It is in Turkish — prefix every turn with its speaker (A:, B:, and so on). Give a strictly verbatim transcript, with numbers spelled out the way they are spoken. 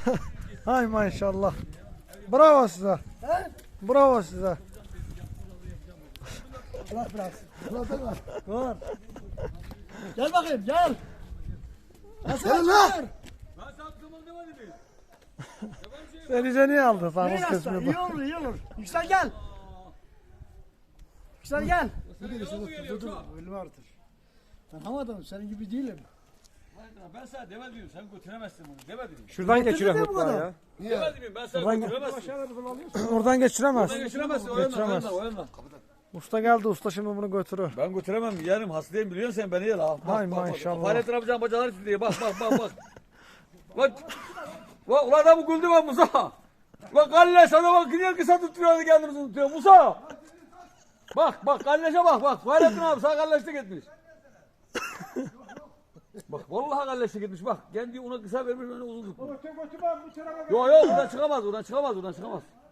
A: Hay maşallah. Bravo size.
B: He?
A: Bravo size.
B: Bırak biraz. Bırak da var. Dur. Gel bakayım gel. Gel lan.
C: Ben sattığımın demedim mi?
A: Sen iyice niye aldın
B: İyi
A: sakız
B: yasta.
A: kesmiyor
B: İyi
A: bak.
B: olur iyi olur. Yüksel gel. Yüksel gel.
C: Dur dur dur.
B: Ölümü artır. Ben havadanım senin gibi değilim.
C: Ben sana demedim sen götüremezsin bunu demedim.
D: Şuradan
B: Götürdü
D: geçirelim
B: de bu
D: mutfağı
B: kadar.
D: ya.
C: Demedim ben sana
A: Buradan-
C: götüremezsin.
A: Oradan geçiremez.
C: Sen geçiremezsin o yandan o
A: Geçiremez.
C: yandan o yandan.
A: Usta geldi, usta şimdi bunu götürür.
C: Ben götüremem yeğenim hastayım biliyorsun sen beni ya la.
A: Hay maşallah.
C: Fahrettin amcam bacaları titriyor bak bak bak bak. Bak. Bak ulan adamı güldü ben Musa. Bak Galle sana bak gidiyor kısa tutuyor kendimizi tutuyor Musa. Bak bak Galleş'e bak bak. Fahrettin abi sağ Galleş'te gitmiş. Bak vallahi Galleş'te gitmiş bak. Kendi ona kısa vermiş ona uzun tutmuş. Yok yok buradan çıkamaz buradan çıkamaz buradan çıkamaz.